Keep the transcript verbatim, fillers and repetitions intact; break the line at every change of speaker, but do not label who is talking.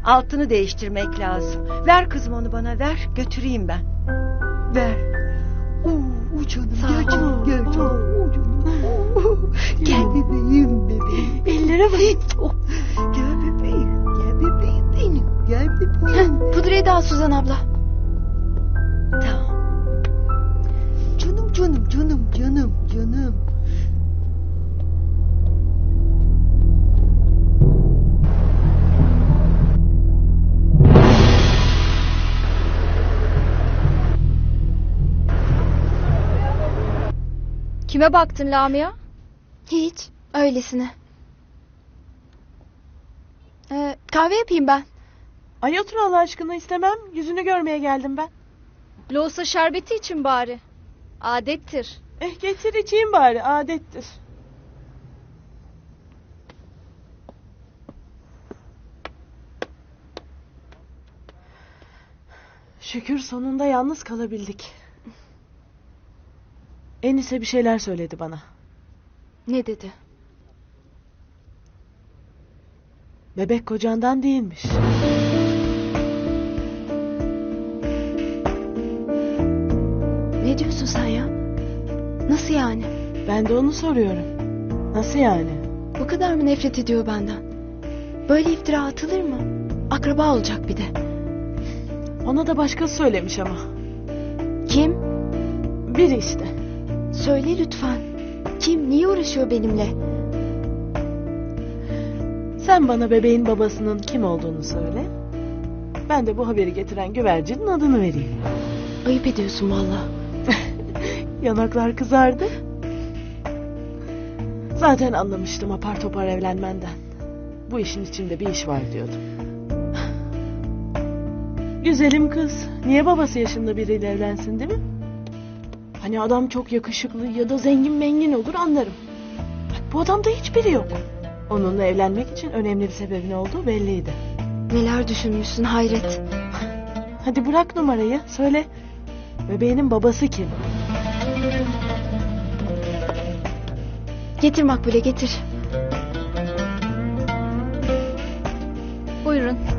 Altını değiştirmek lazım. Ver kızım onu bana, ver. Götüreyim ben. Ver. Oo, canım, gel canım, gel canım. Oo, canım. Oo, gel bebeğim, bebeğim.
Ellere bak.
Oh, gel bebeğim, gel bebeğim benim. Gel bebeğim.
Pudrayı da al Suzan abla.
Tamam. Canım, canım, canım, canım, canım.
Kime baktın Lamia?
Hiç. Öylesine. Ee, kahve yapayım ben.
Ay otur Allah aşkına, istemem. Yüzünü görmeye geldim ben.
Loğusa şerbeti için bari. Adettir.
Eh getir içeyim bari, adettir. Şükür sonunda yalnız kalabildik. Enise bir şeyler söyledi bana.
Ne dedi?
Bebek kocandan değilmiş.
Ne diyorsun sen ya? Nasıl yani?
Ben de onu soruyorum. Nasıl yani?
Bu kadar mı nefret ediyor benden? Böyle iftira atılır mı? Akraba olacak bir de.
Ona da başkası söylemiş ama.
Kim?
Biri işte.
Söyle lütfen. Kim? Niye uğraşıyor benimle?
Sen bana bebeğin babasının kim olduğunu söyle. Ben de bu haberi getiren güvercinin adını vereyim.
Ayıp ediyorsun valla.
Yanaklar kızardı. Zaten anlamıştım apar topar evlenmenden. Bu işin içinde bir iş var diyordum. Güzelim kız. Niye babası yaşında biriyle evlensin, değil mi? Hani adam çok yakışıklı ya da zengin mengin olur anlarım. Bak bu adamda hiçbiri yok. Onunla evlenmek için önemli bir sebebin olduğu belliydi.
Neler düşünmüşsün hayret.
Hadi bırak numarayı, söyle. Bebeğinin babası kim?
Getir Makbule getir.
Buyurun.